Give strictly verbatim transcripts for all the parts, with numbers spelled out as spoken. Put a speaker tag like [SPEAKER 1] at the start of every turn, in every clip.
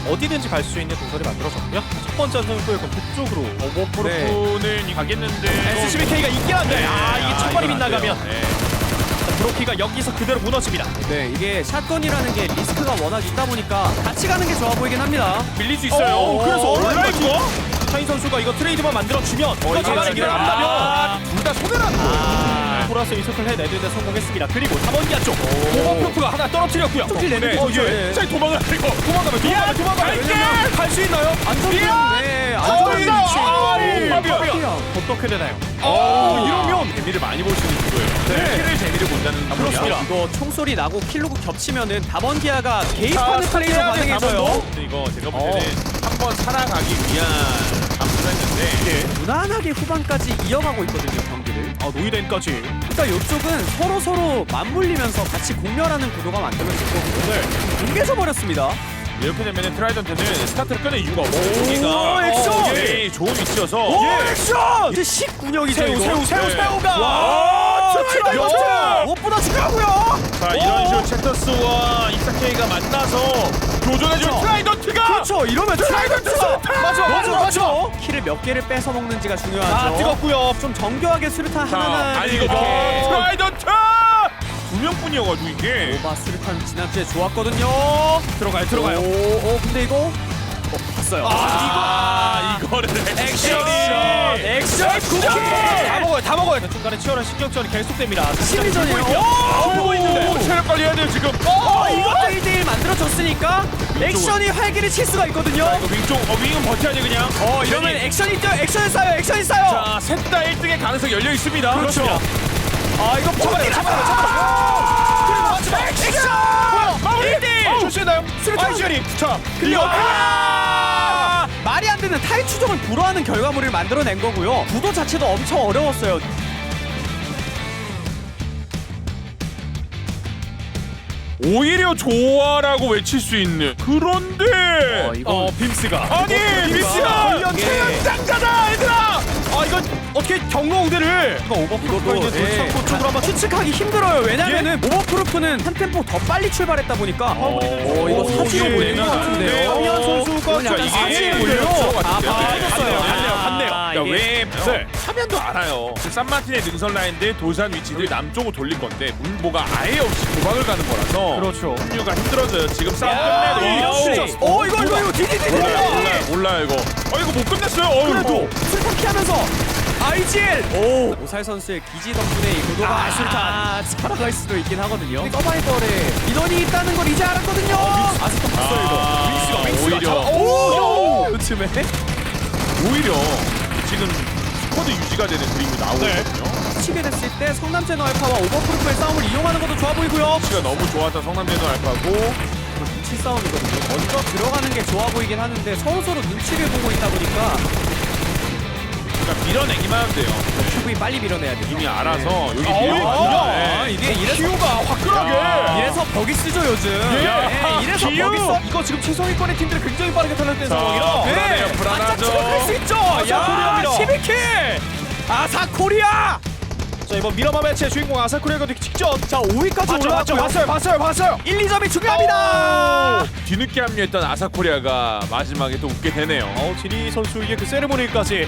[SPEAKER 1] 어디든지 갈 수 있는 동선이 만들어졌고요. 첫 번째 선수의 그 북쪽으로
[SPEAKER 2] 오버프로프는
[SPEAKER 1] 네.
[SPEAKER 2] 가겠는데
[SPEAKER 1] 에스씨비케이가 있긴 한데
[SPEAKER 2] 네.
[SPEAKER 1] 아 이게
[SPEAKER 2] 아,
[SPEAKER 1] 첫발이
[SPEAKER 2] 이건 안
[SPEAKER 1] 빗나가면
[SPEAKER 2] 돼요. 네.
[SPEAKER 1] 브로키가 여기서 그대로 무너집니다.
[SPEAKER 3] 네, 이게 샷건이라는 게 리스크가 워낙 있다 보니까 같이 가는 게 좋아 보이긴 합니다.
[SPEAKER 2] 밀릴 수 있어요.
[SPEAKER 1] 오, 그래서
[SPEAKER 2] 온라인과
[SPEAKER 1] 차인 선수가 이거 트레이드만 만들어주면 이거
[SPEAKER 2] 이거
[SPEAKER 1] 잡아내기를
[SPEAKER 2] 진짜-
[SPEAKER 1] 한다면
[SPEAKER 2] 아, 둘 다 손해라는 거예요.
[SPEAKER 1] 아, 보라스 이석을 해내는데 성공했습니다. 그리고 삼 번기아 쪽 오버프로프가 하나 떨어뜨렸고요.
[SPEAKER 3] 쪽지 내는
[SPEAKER 2] 네.
[SPEAKER 3] 게
[SPEAKER 2] 어,
[SPEAKER 3] 좋죠.
[SPEAKER 2] 예.
[SPEAKER 3] 예.
[SPEAKER 2] 자, 도망을 이거 도망가면 도망가면 도망가면
[SPEAKER 1] 갈게! 갈 수 있나요?
[SPEAKER 3] 안전은 네,
[SPEAKER 2] 어,
[SPEAKER 3] 안전은
[SPEAKER 2] 있다!
[SPEAKER 3] 위치.
[SPEAKER 2] 아,
[SPEAKER 3] 오,
[SPEAKER 2] 예.
[SPEAKER 3] 파비안.
[SPEAKER 1] 어떻게 되나요?
[SPEAKER 2] 어, 이러면 재미를 많이 볼 수 있는 구도예요.
[SPEAKER 1] 네.
[SPEAKER 2] 킬을 재미를 본다는
[SPEAKER 1] 그렇습니다.
[SPEAKER 3] 이거 총소리 나고 킬로그 겹치면은 다번기아가
[SPEAKER 2] 자,
[SPEAKER 3] 개입하는 플레이로
[SPEAKER 2] 해야 돼,
[SPEAKER 3] 반응해줘요.
[SPEAKER 2] 다번도. 근데 이거 제가 볼 때는 한 번 살아가기 위한 감수를 했는데
[SPEAKER 3] 무난하게 후반까지 이어가고 있거든요, 경기를.
[SPEAKER 1] 아 노이덴까지.
[SPEAKER 3] 그러니까 이쪽은 서로 서로 맞물리면서 같이 공멸하는 구도가 만들어질 거고
[SPEAKER 1] 네.
[SPEAKER 3] 뭉개져 버렸습니다.
[SPEAKER 2] 이렇게 되면 트라이던트는 스타트를 끊을 이유가 없고
[SPEAKER 1] 오,
[SPEAKER 2] 여기가
[SPEAKER 1] 액션!
[SPEAKER 2] 네, 좋은 위치여서
[SPEAKER 1] 예. 액션!
[SPEAKER 3] 이제 십구 력이죠
[SPEAKER 1] 새우
[SPEAKER 3] 이거.
[SPEAKER 1] 새우 새우
[SPEAKER 2] 네.
[SPEAKER 1] 새우가.
[SPEAKER 3] 와,
[SPEAKER 1] 트라이던트!
[SPEAKER 3] 트라이던트! 무엇보다 중요하고요.
[SPEAKER 2] 자 이런 식으로 챕터스와 이사케이가 만나서 교전해준
[SPEAKER 3] 그렇죠.
[SPEAKER 2] 트라이던트가
[SPEAKER 3] 그렇죠. 이러면 트라이던트가
[SPEAKER 1] 맞아 맞아 맞아.
[SPEAKER 3] 키를 몇 개를 뺏어 먹는지가 중요하죠.
[SPEAKER 1] 아 뜨겁고요.
[SPEAKER 3] 좀 정교하게 수류탄
[SPEAKER 2] 자,
[SPEAKER 3] 하나는
[SPEAKER 2] 아니 이거
[SPEAKER 3] 이렇게
[SPEAKER 2] 뭐 트라이던트 두 명뿐이어가지고 이게
[SPEAKER 3] 오바 수류탄 지난주에 좋았거든요.
[SPEAKER 1] 들어가요 들어가요.
[SPEAKER 3] 오, 오 근데 이거 어, 봤어요.
[SPEAKER 2] 아 이거를 액션이
[SPEAKER 3] 액션 쿠키.
[SPEAKER 1] 다 먹어요 다 먹어요. 중간에 치열한 신경전이 계속됩니다.
[SPEAKER 3] 심리전이에요.
[SPEAKER 1] 보고 있는데.
[SPEAKER 2] 오, 체력 관리해야 돼요 지금.
[SPEAKER 3] 어, 이것도 일 대 일 만들어졌으니까 액션이 활기를 칠 수가 있거든요.
[SPEAKER 2] 이거 윙쪽 어 윙은 버텨야지 그냥.
[SPEAKER 3] 어 이러면 액션이 뛰어 액션이 쌓여 액션이 쌓여.
[SPEAKER 2] 자셋 다 일 등의 가능성이 열려 있습니다.
[SPEAKER 1] 그렇죠.
[SPEAKER 3] 아 이거
[SPEAKER 1] 잡아내요, 잡아내요,
[SPEAKER 3] 그리고 마지막 액션.
[SPEAKER 2] 마무리.
[SPEAKER 3] 일 대 일.
[SPEAKER 2] 어, 좋시나요?
[SPEAKER 3] 수류탄.
[SPEAKER 2] 아이시리. 자
[SPEAKER 3] 클리어.
[SPEAKER 2] 아!
[SPEAKER 3] 말이 안 되는 타이 추종을 불허하는 결과물을 만들어낸 거고요. 구도 자체도 엄청 어려웠어요.
[SPEAKER 2] 오히려 좋아라고 외칠 수 있는 그런데
[SPEAKER 3] 어, 이거
[SPEAKER 1] 어 빔스가.
[SPEAKER 2] 아니 미스야
[SPEAKER 1] 이게-
[SPEAKER 2] 최연장자다 얘들아.
[SPEAKER 1] 아 이건 어떻게 경로 우대를 이거 오버프로프가 있는
[SPEAKER 3] 예,
[SPEAKER 1] 돌창고 쪽으로 한번
[SPEAKER 3] 추측하기 힘들어요. 왜냐면은 오버프루프는 한 템포 더 빨리 출발했다 보니까
[SPEAKER 2] 어,
[SPEAKER 3] 어 이거
[SPEAKER 2] 오,
[SPEAKER 3] 사지로
[SPEAKER 2] 예,
[SPEAKER 3] 보이는 것
[SPEAKER 2] 네.
[SPEAKER 3] 같은데요.
[SPEAKER 1] 황희연 선수가
[SPEAKER 3] 이건 약간
[SPEAKER 1] 이게
[SPEAKER 3] 사지에
[SPEAKER 1] 몰려요.
[SPEAKER 3] 몰려요.
[SPEAKER 2] 아,
[SPEAKER 3] 아,
[SPEAKER 2] 갔네요,
[SPEAKER 3] 빠졌어요.
[SPEAKER 1] 갔네요, 갔네요.
[SPEAKER 3] 아,
[SPEAKER 2] 그러니까
[SPEAKER 3] 이게-
[SPEAKER 2] 왜
[SPEAKER 1] 네.
[SPEAKER 2] 화면도 알아요. 그 산마틴의 능선 라인들 도산 위치들이 남쪽으로 돌릴 건데 문보가 아예 없이 도박을 가는 거라서
[SPEAKER 1] 그렇죠.
[SPEAKER 2] 합류가 힘들어져요. 지금 싸움
[SPEAKER 1] 야,
[SPEAKER 2] 끝내도
[SPEAKER 1] 이런
[SPEAKER 2] 어우,
[SPEAKER 1] 플레이.
[SPEAKER 3] 어 이거 이거 이거 디디디디.
[SPEAKER 2] 몰라요, 몰라요, 몰라요 이거. 어 이거 못 끝냈어요. 어우,
[SPEAKER 3] 그래도
[SPEAKER 2] 어.
[SPEAKER 3] 술탄 피하면서 아이지엘. 오 오살 선수의 기지 덕분에 이 구도가
[SPEAKER 1] 아, 술탄.
[SPEAKER 3] 살아갈 수도 있긴 하거든요. 서바이벌에 인원이 있다는 걸 이제 알았거든요. 아직도 봤어요 이거.
[SPEAKER 2] 아,
[SPEAKER 3] 윙스가 윙스가
[SPEAKER 2] 오히려.
[SPEAKER 3] 자- 오 요즘에
[SPEAKER 2] 오히려 지금 스쿼드 유지가 되는 그림이 나오고
[SPEAKER 1] 네.
[SPEAKER 2] 있거든요.
[SPEAKER 3] 치게 됐을 때 성남제너 알파와 오버프루프의 싸움을 이용하는 것도 좋아 보이고요.
[SPEAKER 2] 위치가 너무 좋았던 성남대도 알파고
[SPEAKER 3] 눈치 싸움이거든요. 먼저 들어가는 게 좋아 보이긴 하는데 서로 서로 눈치를 보고 있다 보니까
[SPEAKER 2] 그러니까 밀어내기만 하면 돼요.
[SPEAKER 3] 큐브이 빨리 밀어내야 돼요.
[SPEAKER 2] 이미 알아서 여기
[SPEAKER 1] 어우,
[SPEAKER 2] 뒤에
[SPEAKER 1] 아,
[SPEAKER 2] 네.
[SPEAKER 3] 이게 이래서
[SPEAKER 1] 기우가 화끈하게.
[SPEAKER 3] 이래서 버기 쓰죠 요즘.
[SPEAKER 2] 야,
[SPEAKER 3] 네, 이래서
[SPEAKER 2] 기우!
[SPEAKER 3] 버기 써.
[SPEAKER 1] 이거 지금 최소위권의 팀들이 굉장히 빠르게 탈락된
[SPEAKER 2] 자,
[SPEAKER 1] 상황이라.
[SPEAKER 2] 불안해요,
[SPEAKER 3] 네,
[SPEAKER 2] 불안하죠.
[SPEAKER 3] 반짝 추격할 수 있죠. 야,
[SPEAKER 1] 아사코리아입니다.
[SPEAKER 3] 십이 킬. 아사코리아.
[SPEAKER 1] 자 이번 미라마 매치의 주인공 아사쿠레가 되기 직전.
[SPEAKER 3] 자, 오 위까지
[SPEAKER 1] 맞죠 맞죠
[SPEAKER 3] 올라왔고요.
[SPEAKER 1] 봤어요 봤어요 봤어요.
[SPEAKER 3] 일, 이 점이 중요합니다.
[SPEAKER 2] 뒤늦게 합류했던 아사코리아가 마지막에 또 웃게 되네요.
[SPEAKER 1] 어 지리 선수에게 그 세레모니까지.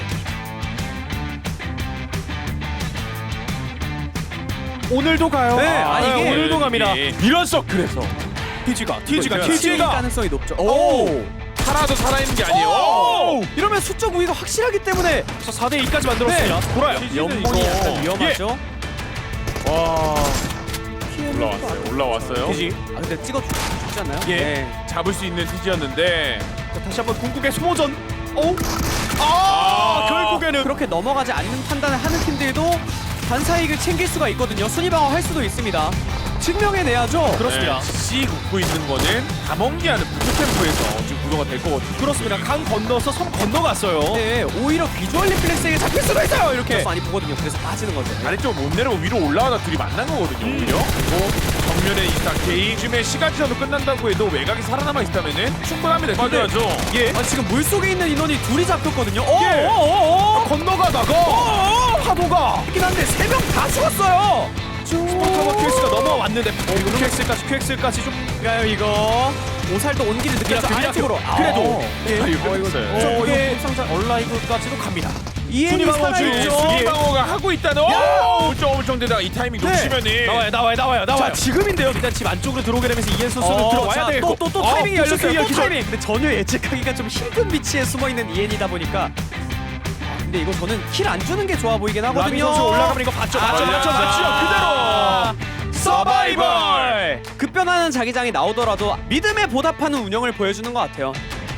[SPEAKER 1] 오늘도 가요.
[SPEAKER 3] 네, 아니, 이게-
[SPEAKER 1] 오늘도 갑니다.
[SPEAKER 2] 예, 이런 서클에서
[SPEAKER 1] 티지가 티지가
[SPEAKER 2] 이거
[SPEAKER 3] 킬
[SPEAKER 1] 티지가.
[SPEAKER 3] 가능성이 높죠.
[SPEAKER 1] 오.
[SPEAKER 2] 살아도 살아있는 게 아니에요.
[SPEAKER 1] 오!
[SPEAKER 3] 이러면 수적 우위가 확실하기 때문에
[SPEAKER 1] 자 사 대 이까지 만들었습니다. 돌아요.
[SPEAKER 3] 연봉이
[SPEAKER 2] 이거-
[SPEAKER 3] 약간 위험하죠.
[SPEAKER 2] 와 올라왔어요. 올라왔어요.
[SPEAKER 1] 티지.
[SPEAKER 3] 아 근데 찍어 주지 않나요?
[SPEAKER 1] 예.
[SPEAKER 3] 네.
[SPEAKER 2] 잡을 수 있는 티지였는데
[SPEAKER 1] 자, 다시 한번 궁극의 소모전. 오. 아,
[SPEAKER 2] 아.
[SPEAKER 1] 결국에는
[SPEAKER 3] 그렇게 넘어가지 않는 판단을 하는 팀들도 반사이익을 챙길 수가 있거든요. 순위 방어할 수도 있습니다. 증명해내야죠.
[SPEAKER 1] 그렇습니다.
[SPEAKER 2] 네, 씨 굽고 있는 거는 다mon기하는 부트템포에서 지금 구도가 될 거거든요.
[SPEAKER 1] 그렇습니다. 강 건너서 섬 건너갔어요.
[SPEAKER 3] 네, 오히려 비주얼 리플렉스에게 잡힐 수도 있어요. 이렇게 많이 보거든요. 그래서 빠지는 거죠.
[SPEAKER 2] 아래쪽 못 내려고 위로 올라가다 둘이 만난 거거든요. 오히려. 그리고 정면에 이사케이 요즘에 시간지나도 끝난다고 해도 외곽이 살아남아 있다면은 충분합니다. 맞아야죠.
[SPEAKER 1] 예.
[SPEAKER 3] 아, 지금 물속에 있는 인원이 둘이 잡혔거든요. 어,
[SPEAKER 1] 예.
[SPEAKER 3] 어, 어, 어.
[SPEAKER 1] 건너가다가
[SPEAKER 3] 어, 어.
[SPEAKER 1] 파도가
[SPEAKER 3] 있긴 한데 세 명 다 죽었어요.
[SPEAKER 1] 스포타와 큐엑스가 넘어왔는데 어, 이거 큐엑스까지 큐엑스까지 좀
[SPEAKER 3] 가요 이거. 오살도 온기를 느꼈죠.
[SPEAKER 1] 미라클,
[SPEAKER 3] 아래쪽으로.
[SPEAKER 1] 미라클. 그래도.
[SPEAKER 3] 예.
[SPEAKER 2] 아, 이거 끝났어요.
[SPEAKER 1] 어,
[SPEAKER 3] 이게
[SPEAKER 1] 이게 얼라이브까지도 갑니다.
[SPEAKER 3] 이엔이
[SPEAKER 1] 순위방어 중.
[SPEAKER 3] 살아있죠.
[SPEAKER 2] 순위방어가 하고 있다는 오! 울쩡울쩡대다가 이 타이밍
[SPEAKER 3] 네.
[SPEAKER 2] 놓치면은
[SPEAKER 1] 나와요 나와요 나와요 나와요.
[SPEAKER 3] 자, 지금인데요.
[SPEAKER 1] 일단 집 안쪽으로 들어오게 되면서 이엔 선수는 들어와야 되고
[SPEAKER 3] 어, 또또 또
[SPEAKER 1] 어,
[SPEAKER 3] 타이밍이
[SPEAKER 1] 포스트
[SPEAKER 3] 열렸어요. 또
[SPEAKER 1] 기절.
[SPEAKER 3] 타이밍. 근데 전혀 예측하기가 좀 힘든 위치에 숨어 있는 이엔이다 보니까. 아, 근데 이거 저는 킬 안 주는 게 좋아 보이긴
[SPEAKER 1] 라미
[SPEAKER 3] 하거든요.
[SPEAKER 1] 선수 올라가면 이거 봤죠 맞죠
[SPEAKER 3] 아,
[SPEAKER 1] 맞죠
[SPEAKER 3] 아,
[SPEAKER 1] 맞죠 그대로 서바이벌.
[SPEAKER 3] 급변하는 자기장이 나오더라도 믿음에 보답하는 운영을 보여주는 것 같아요.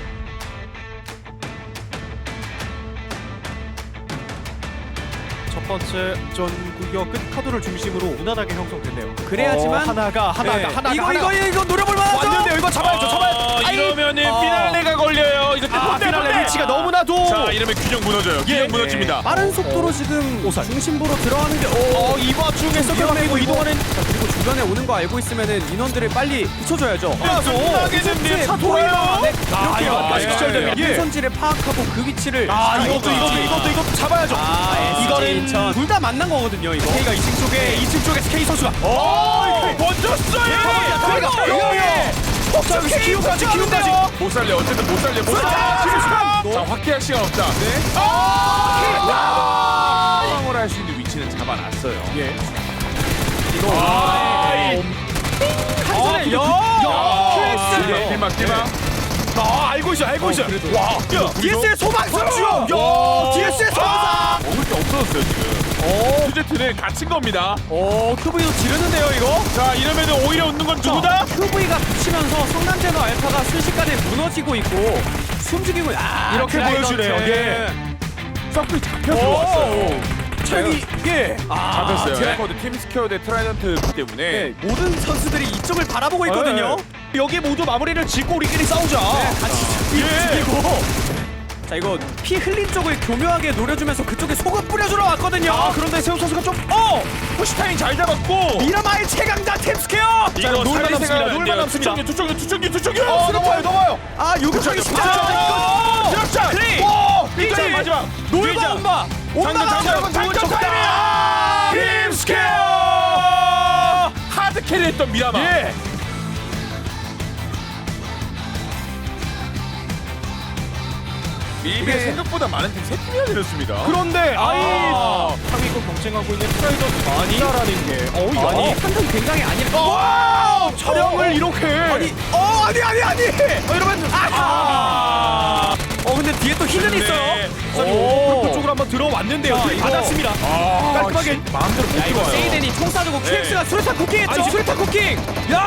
[SPEAKER 1] 첫 번째 전구역 끝 카드를 중심으로 무난하게 형성됐네요.
[SPEAKER 3] 그래야지만
[SPEAKER 1] 어, 하나가 하나가
[SPEAKER 3] 네.
[SPEAKER 1] 하나가
[SPEAKER 3] 이거
[SPEAKER 1] 하나가.
[SPEAKER 3] 이거 이거 노려볼 만하죠.
[SPEAKER 1] 왔는데요. 이거 잡아야죠. 잡아야죠.
[SPEAKER 2] 어,
[SPEAKER 1] 아이,
[SPEAKER 2] 이러면은
[SPEAKER 3] 아.
[SPEAKER 2] 피날레가 걸려요. 이거
[SPEAKER 1] 아,
[SPEAKER 2] 본대,
[SPEAKER 1] 피날레
[SPEAKER 2] 본대.
[SPEAKER 1] 위치가 너무나도
[SPEAKER 2] 자 이러면 균형 무너져요. 균형
[SPEAKER 1] 예.
[SPEAKER 2] 무너집니다.
[SPEAKER 3] 빠른 속도로 지금
[SPEAKER 1] 오살.
[SPEAKER 3] 중심부로 들어가는 게 오.
[SPEAKER 1] 어, 이 와중에 서클
[SPEAKER 3] 위험해
[SPEAKER 1] 바뀌고
[SPEAKER 3] 보이고.
[SPEAKER 1] 이동하는
[SPEAKER 3] 자, 그리고 주변에 오는 거 알고 있으면은 인원들을 빨리 붙여줘야죠.
[SPEAKER 2] 끝나게는 차 돌아요.
[SPEAKER 3] 네,
[SPEAKER 1] 아,
[SPEAKER 3] 이렇게
[SPEAKER 1] 이거까지
[SPEAKER 3] 예,
[SPEAKER 1] 기절됩니다.
[SPEAKER 3] 예.
[SPEAKER 1] 예.
[SPEAKER 3] 선지를 파악하고 그 위치를
[SPEAKER 1] 아,
[SPEAKER 3] 잘
[SPEAKER 1] 이것도 이것도
[SPEAKER 3] 잡아야지.
[SPEAKER 1] 이것도 이것도 잡아야죠.
[SPEAKER 3] 아,
[SPEAKER 1] 이거는
[SPEAKER 3] 둘 다 만난 거거든요, 이거.
[SPEAKER 1] K가 이 층 쪽에 이 층 쪽에서 K 선수가
[SPEAKER 2] 오! 번졌어요.
[SPEAKER 1] 자, 키우까지 키우까지
[SPEAKER 2] 못 살래. 어쨌든 못 살래. 못 살래. 자 확대할 시간 없다. 네. 상황을 할 수 있는 위치는 잡아놨어요.
[SPEAKER 1] 예.
[SPEAKER 2] 이거
[SPEAKER 1] 아,
[SPEAKER 3] 한손에
[SPEAKER 1] 야,
[SPEAKER 3] 야,
[SPEAKER 2] 킬막 킬막 킬막.
[SPEAKER 1] 아, 알고 있어. 알고 있어.
[SPEAKER 2] 그래도.
[SPEAKER 1] 와. 야,
[SPEAKER 3] 디에스의 소방선주!
[SPEAKER 1] 야, 디에스의 소방사.
[SPEAKER 2] 먹을 게 없어졌어요 지금.
[SPEAKER 3] 오,
[SPEAKER 2] 퓨제트는 갇힌 겁니다.
[SPEAKER 3] 오, 큐브이도 지르는데요, 이거?
[SPEAKER 2] 자 이러면은 오히려 웃는 건 누구다?
[SPEAKER 3] 큐브이가 붙이면서 성남제너 알파가 순식간에 무너지고 있고 숨죽이고 아,
[SPEAKER 1] 이렇게
[SPEAKER 3] 드라이던트.
[SPEAKER 1] 보여주네요. 예.
[SPEAKER 2] 서클이 잡혀 들어왔어요.
[SPEAKER 1] 책이 예.
[SPEAKER 3] 아,
[SPEAKER 2] 잡혔어요.
[SPEAKER 3] 드라이-
[SPEAKER 2] 레코드 팀 스퀘어 대 트라이던트 때문에.
[SPEAKER 3] 네, 모든 선수들이 이쪽을 바라보고 있거든요.
[SPEAKER 1] 여기 모두 마무리를 짓고 우리끼리 싸우자.
[SPEAKER 3] 네, 같이
[SPEAKER 1] 예.
[SPEAKER 3] 죽이고. 자, 이거 피 흘린 쪽을 교묘하게 노려주면서 그쪽에 소금 뿌려주러 왔거든요.
[SPEAKER 1] 아, 그런데 세우 선수가 좀
[SPEAKER 2] 어! 푸시타임 잘 잡았고.
[SPEAKER 1] 미라마의 최강자 템스퀘어.
[SPEAKER 2] 이거
[SPEAKER 1] 놀만
[SPEAKER 2] 살릴
[SPEAKER 1] 남습니다.
[SPEAKER 2] 생각은 안
[SPEAKER 1] 놀만
[SPEAKER 2] 돼요.
[SPEAKER 1] 남습니다.
[SPEAKER 2] 투척기 투척기 투척기 투척기.
[SPEAKER 1] 어, 넘어요, 넘어요.
[SPEAKER 3] 아, 요격하기
[SPEAKER 2] 그쵸,
[SPEAKER 3] 쉽지
[SPEAKER 2] 그쵸.
[SPEAKER 3] 않죠.
[SPEAKER 2] 아, 드랍샷.
[SPEAKER 1] 클레이.
[SPEAKER 2] 오!
[SPEAKER 1] 일 점
[SPEAKER 2] 일 점 마지막.
[SPEAKER 1] 놀바
[SPEAKER 2] 일 점.
[SPEAKER 1] 엄마. 엄마가
[SPEAKER 2] 장전, 장전, 장전 타임이야!
[SPEAKER 1] 팀스퀘어.
[SPEAKER 2] 하드 캐리했던 미라마.
[SPEAKER 1] 예.
[SPEAKER 2] 이게
[SPEAKER 1] 이게-
[SPEAKER 2] 생각보다 많은 팀 세 팀이나 내렸습니다.
[SPEAKER 1] 그런데 아이
[SPEAKER 2] 아.
[SPEAKER 1] 상위권 경쟁하고 있는 트라이더 아니 라는 게 어우
[SPEAKER 3] 아니,
[SPEAKER 1] 야.
[SPEAKER 3] 판단 굉장히 아니라.
[SPEAKER 1] 와! 촬영을
[SPEAKER 3] 어.
[SPEAKER 1] 이렇게
[SPEAKER 3] 아니, 어, 아니, 아니, 아니.
[SPEAKER 1] 어, 이러면
[SPEAKER 3] 아. 어, 근데 뒤에 또 히든
[SPEAKER 2] 네.
[SPEAKER 3] 있어요.
[SPEAKER 1] 오, 오. 쪽으로 한번 들어왔는데요.
[SPEAKER 3] 자,
[SPEAKER 1] 뒤
[SPEAKER 3] 이거-
[SPEAKER 1] 받았습니다.
[SPEAKER 2] 아,
[SPEAKER 1] 깔끔하게.
[SPEAKER 2] 씨, 마음대로 못
[SPEAKER 3] 야, 이거
[SPEAKER 2] 들어와요.
[SPEAKER 3] 세이덴이 총 쏴주고
[SPEAKER 2] 네.
[SPEAKER 3] 큐엑스가 수류탄 쿠킹 했죠.
[SPEAKER 1] 아니,
[SPEAKER 3] 수류탄 쿠킹.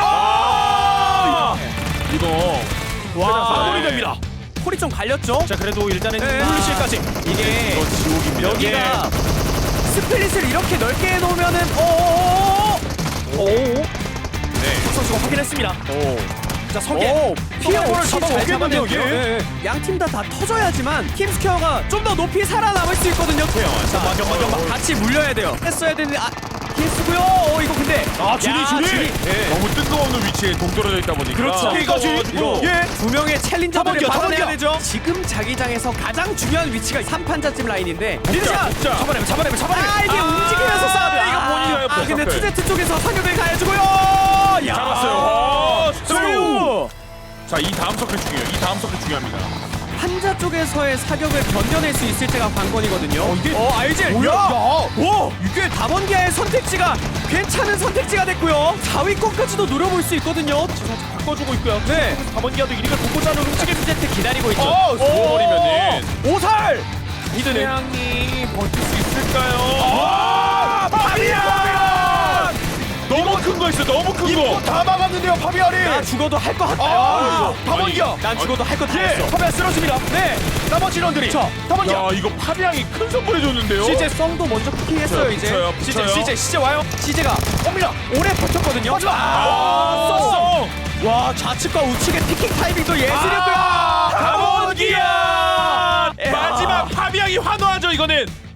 [SPEAKER 1] 야!
[SPEAKER 2] 이거
[SPEAKER 1] 와, 마무리 됩니다.
[SPEAKER 3] 콜이 좀 갈렸죠.
[SPEAKER 1] 자, 그래도 일단은
[SPEAKER 3] 네.
[SPEAKER 1] 훌실까지.
[SPEAKER 3] 이게
[SPEAKER 2] 이거 지옥입니다.
[SPEAKER 3] 여기가 스플릿을 이렇게 넓게 해놓으면은 어어어어
[SPEAKER 1] 오.
[SPEAKER 2] 네.
[SPEAKER 1] 선수가 확인했습니다.
[SPEAKER 2] 오.
[SPEAKER 1] 자, 성계.
[SPEAKER 3] 피해
[SPEAKER 1] 서버를
[SPEAKER 3] 없이 잘
[SPEAKER 1] 잡아오겠는데요,
[SPEAKER 3] 잡아내고요.
[SPEAKER 1] 예.
[SPEAKER 3] 양팀 다 다 터져야지만 팀스퀘어가 좀 더 높이 살아남을 수 있거든요. 자,
[SPEAKER 1] 맞아, 맞아, 맞아.
[SPEAKER 3] 같이 물려야 돼요. 했어야 되는데 아 피했고요. 어 이거 근데
[SPEAKER 1] 아, 준이,
[SPEAKER 3] 야,
[SPEAKER 1] 준이.
[SPEAKER 2] 네. 너무 뜬금없는 위치에 동떨어져 있다 보니까.
[SPEAKER 3] 그렇죠.
[SPEAKER 1] K까지.
[SPEAKER 3] 이거
[SPEAKER 1] 예.
[SPEAKER 3] 두 명의 챌린저들을
[SPEAKER 1] 타번기야,
[SPEAKER 3] 받아내야
[SPEAKER 1] 타번기야.
[SPEAKER 3] 되죠. 지금 자기장에서 가장 중요한 위치가 삼 판자집 라인인데
[SPEAKER 2] 복자, 복자.
[SPEAKER 1] 잡아내면 잡아내면 잡아내면.
[SPEAKER 3] 아 이게
[SPEAKER 1] 아,
[SPEAKER 3] 움직이면서 싸움이야.
[SPEAKER 2] 이거 본인이에요,
[SPEAKER 3] 아 근데
[SPEAKER 2] 서클.
[SPEAKER 3] 투제트 쪽에서 사격을 가해주고요. 야.
[SPEAKER 2] 잡았어요. 어,
[SPEAKER 3] 스루.
[SPEAKER 2] 자, 이 다음 서클 중요해요. 이 다음 서클 중요합니다.
[SPEAKER 3] 판자 쪽에서의 사격을 견뎌낼 수 있을지가 관건이거든요. 어,
[SPEAKER 1] 이게-
[SPEAKER 3] 어 알질.
[SPEAKER 1] 뭐야? 야.
[SPEAKER 3] 오, 이게 다번기아의 선택지가 괜찮은 선택지가 됐고요. 사 위권까지도 노려볼 수 있거든요.
[SPEAKER 1] 살짝 바꿔주고 있고요.
[SPEAKER 3] 네.
[SPEAKER 1] 다번기아도 이리를 보고자 하는 움직임.
[SPEAKER 3] 투제트 기다리고 있죠.
[SPEAKER 2] 어, 죽어버리면은.
[SPEAKER 1] 오살. 히드네.
[SPEAKER 2] 태양이 버틸 수 있을까요?
[SPEAKER 1] 아, 파비안!
[SPEAKER 2] 너무 큰 거 있어. 너무 큰 거.
[SPEAKER 1] 다 막았는데요, 파비안이.
[SPEAKER 3] 나 죽어도 할 거 같아요.
[SPEAKER 1] 아, 다번기아.
[SPEAKER 3] 난 죽어도 할 거 다
[SPEAKER 1] 예,
[SPEAKER 3] 했어.
[SPEAKER 1] 파비안 쓰러집니다. 네. 나머지 인원들이.
[SPEAKER 3] 자,
[SPEAKER 1] 다번기아.
[SPEAKER 2] 야, 이거 파비앙이 큰 선물 해줬는데요.
[SPEAKER 3] 시제 성도 먼저 쿠킹했어요 이제.
[SPEAKER 2] 붙여요,
[SPEAKER 1] 시제,
[SPEAKER 2] 붙여요.
[SPEAKER 1] 시제, 시제 와요.
[SPEAKER 3] 시제가
[SPEAKER 1] 옵니다.
[SPEAKER 3] 오래 버텼거든요.
[SPEAKER 1] 마지막.
[SPEAKER 3] 아,
[SPEAKER 1] 썼어.
[SPEAKER 3] 와 좌측과 우측의 피킹 타이밍도 예술이었고요.
[SPEAKER 2] 아, 다번기아!
[SPEAKER 3] 야.
[SPEAKER 2] 마지막 파비앙이 환호하죠, 이거는.